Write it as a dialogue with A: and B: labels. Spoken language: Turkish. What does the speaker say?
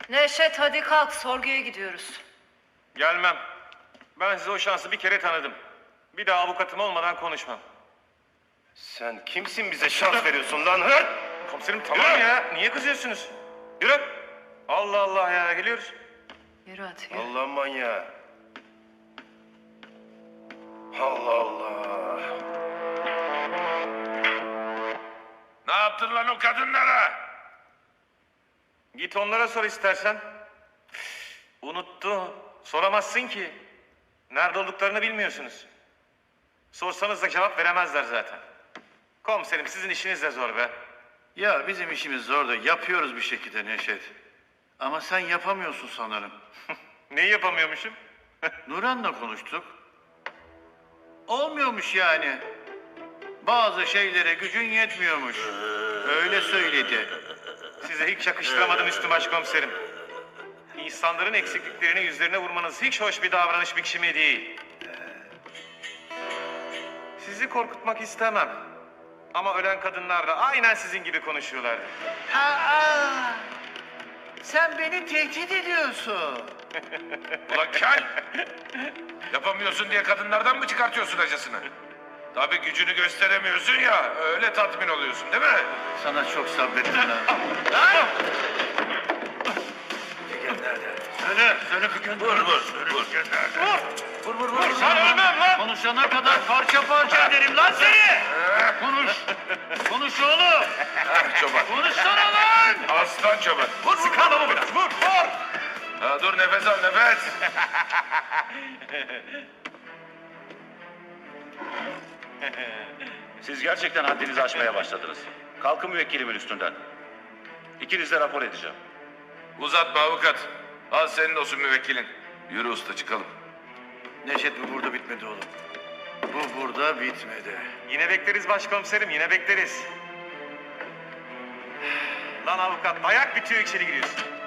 A: Neşet hadi kalk, sorguya gidiyoruz.
B: Gelmem. Ben size o şansı bir kere tanıdım. Bir daha avukatım olmadan konuşmam.
C: Sen kimsin bize şans veriyorsun lan hı?
B: Komiserim tamam ya. Niye kızıyorsunuz? Yürü. Allah Allah ya, geliyoruz.
A: Yürü hadi yürü.
C: Allah manyağı. Allah Allah.
D: Ne yaptın lan o kadınlara?
B: Git onlara sor istersen. Unuttu. Soramazsın ki. Nerede olduklarını bilmiyorsunuz. Sorsanız da cevap veremezler zaten. Komiserim sizin işiniz de zor be.
E: Ya bizim işimiz zor da yapıyoruz bir şekilde Neşet. Ama sen yapamıyorsun sanırım.
B: Neyi yapamıyormuşum?
E: Nuran'la konuştuk. Olmuyormuş yani. Bazı şeylere gücün yetmiyormuş. Öyle söyledi.
B: Size hiç yakıştıramadım Üstü Başkomiserim. İnsanların eksikliklerini yüzlerine vurmanız hiç hoş bir davranış biçimi değil. Sizi korkutmak istemem. Ama ölen kadınlar da aynen sizin gibi konuşuyorlardı.
E: Aa, sen beni tehdit ediyorsun.
D: Ulan kel! Yapamıyorsun diye kadınlardan mı çıkartıyorsun acısını? Tabii gücünü gösteremiyorsun ya, öyle tatmin oluyorsun değil mi?
E: Sana çok sabrettim lan. Söyle Figen.
D: Vur. Vur.
E: Sen ölmem lan. Konuşana kadar parça parça ederim lan seni. Konuş oğlum.
D: Çoban.
E: Konuşsana lan.
D: Aslan çoban. Vur.
B: Sık adamı biraz, vur!
D: Ha, dur nefes al nefes.
F: Siz gerçekten haddinizi aşmaya başladınız. Kalkın müvekkilimin üstünden. İkiniz de rapor edeceğim.
D: Uzatma avukat. Al senin olsun müvekkilin. Yürü usta çıkalım.
E: Neşet bu burada bitmedi oğlum. Bu burada bitmedi.
B: Yine bekleriz başkomiserim, yine bekleriz. Lan avukat, dayak bitiyor içeri giriyorsun.